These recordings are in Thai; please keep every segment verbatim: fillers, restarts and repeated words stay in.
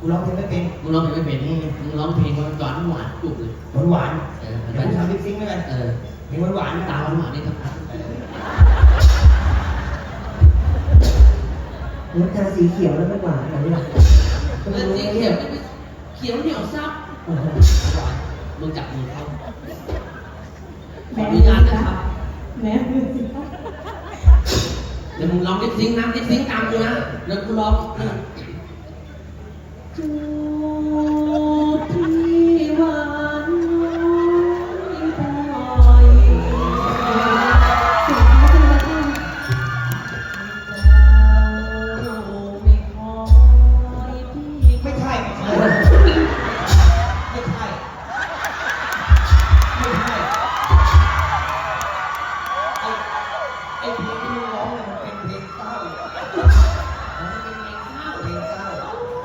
กูร้องเพลงไม่เป็นมึงร้องเพลงไม่เป็นนี่มึงร้องเพลงหวานหวานหวานจุกเลยหวานหวานเออเดี๋ยวกูทำลิปซิงค์ด้วยกันเออเพลงหวานหวานตาหวานหวานนี่ทั้งนั้นน้ำตาสีเขียวแล้วไม่หวานอะไรหรอเออสีเขียวเขียวเหนียวซับมึงจับมือเขาขออนุญาตนะครับแม่มือสิคะเดี๋ยวมึงร้องลิปซิงค์นะลิปซิงค์ตามกูนะแล้วกูร้องจูบที่หวานน้อยไม่คอยพี่ไม่ใช่ไม่ใช่ไม่ใช่ไม่ใช่ไอ้ไอ้เพลงที่มึงร้องเนี่ยมันเป็นเพลงเศร้ามันเป็นเพลงเศร้าเพลงเศร้า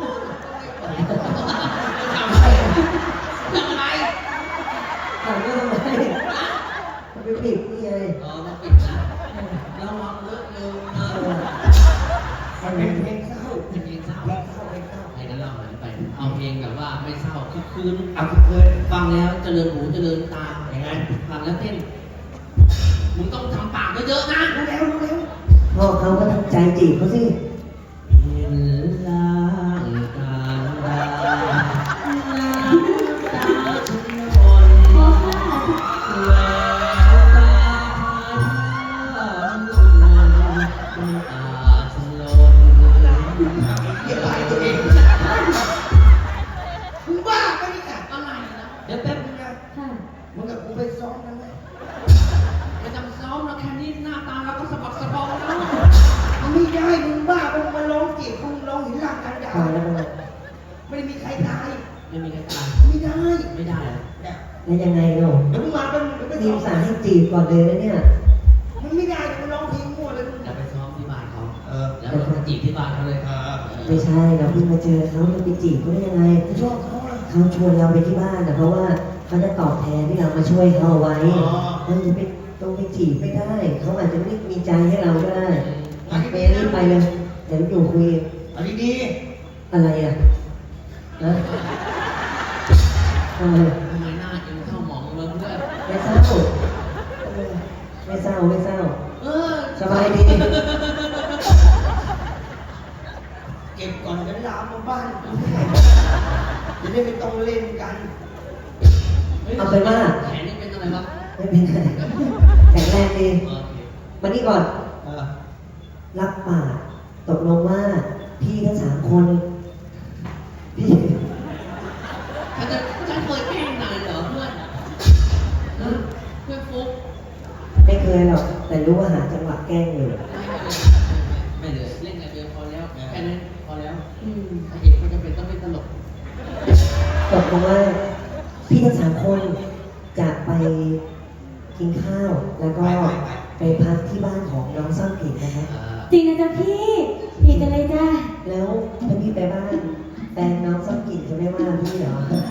ทำอะไรทำอะไรถามว่าทำไมมันเป็นผิดนี่ไงเออมาปิดนะระวังเลอะเลือนนะมันเป็นเพลงเศร้าเป็นเพลงเศร้าเพลงเศร้าเพลงเศร้าให้กันเล่าหน่อยไป เอาเพลงแบบว่าไม่เศร้าคึกคืนเอาเคยฟังแล้วเจริญหูเจริญตาอย่างนั้นฟังแล้วเต้น มึงต้องทำปากเยอะๆนะรู้แล้วรู้แล้วพ่อเขาก็ตั้งใจจีบเขาสิเห็นล่างการดาน้ำตาทุกคนพอค่ะแววตาพาลุ่นมันอาจลนอย่าไล่ตัวเองมึงบ้าไปนี่ค่ะอะไรนะเดี๋ยวแป๊บนึงนะค่ะมึงกับกูไปซ้อมกันไหมไม่ต้องซ้อมแล้วแค่นี้หน้าตาเราก็สะบักสะบอมแล้วมันไม่ได้มึงบ้ามึงมาร้องจีบมึงร้องหินหลังกันดาพอแล้วนะไม่ได้มีใครตายไม่มีใครตายไม่ได้ไม่ได้เหรอเนี่ยแล้วยังไงเนาะเดี๋ยวมึงมาเป็นเดี๋ยวไปทีซ้มอมสารให้จีบก่อนเลยนะเนี่ยมันไม่ได้มึงร้องเพลงมั่วเลยมึงจะไปซ้อมที่บ้านเขาเออแล้วเราไปจีบที่บ้านเขาเลยเออไม่ใช่เราเพิ่งมาเจอเขาเราไปจีบเขาได้ยังไงกูชอบเขาอะเขาชวนเราไปที่บ้านนะเพราะว่าเขาจะตอบแทนที่เรามาช่วยเขาเอาไว้อ๋อเราจะไปตรงไปจีบไม่ได้ เขาอาจจะไม่มีใจให้เราก็ได้ไปรีบไปเลยเดี๋ยวอยู่คุยเอาดีอะไรอ่ะนะทำไมทำไมหน้าเอ็มเข้าหมองเลยเพื่อนไม่เศร้าไม่เศร้าไม่เศร้าเออสบายดีๆเก็บก่อนกันลามมาบ้านกูจะได้ไม่ต้องเล่นกันเอาเป็นว่าแขนนี่เป็นอะไรวะไม่เป็นไรแข็งแรงดีโอเคมานี่ก่อนเออรับปากตกลงว่าพี่ทั้งสามคนพี่ฉันจะฉันเคยแกล้งนายเหรอเพื่อนฮะเพื่อนฟุ๊กไม่เคยหรอกแต่รู้ว่าหาจังหวะแกล้งอยู่ไม่เลยเล่นอะไรเดียวพอแล้วแค่นั้นพอแล้วอืมพระเอกก็จะเป็นต้องเป็นตลกตกลงว่าพี่ทั้งสามคนจะไปกินข้าว แล้วก็ไปพักที่บ้านของน้องซ่อนกลิ่นนะครับอ่าจริงนะจ๊ะพี่ดีกันเลยจ้าแล้วถ้าพี่ไปบ้านแฟนน้องซ่อนกลิ่นจะไม่ว่าพี่เหรอ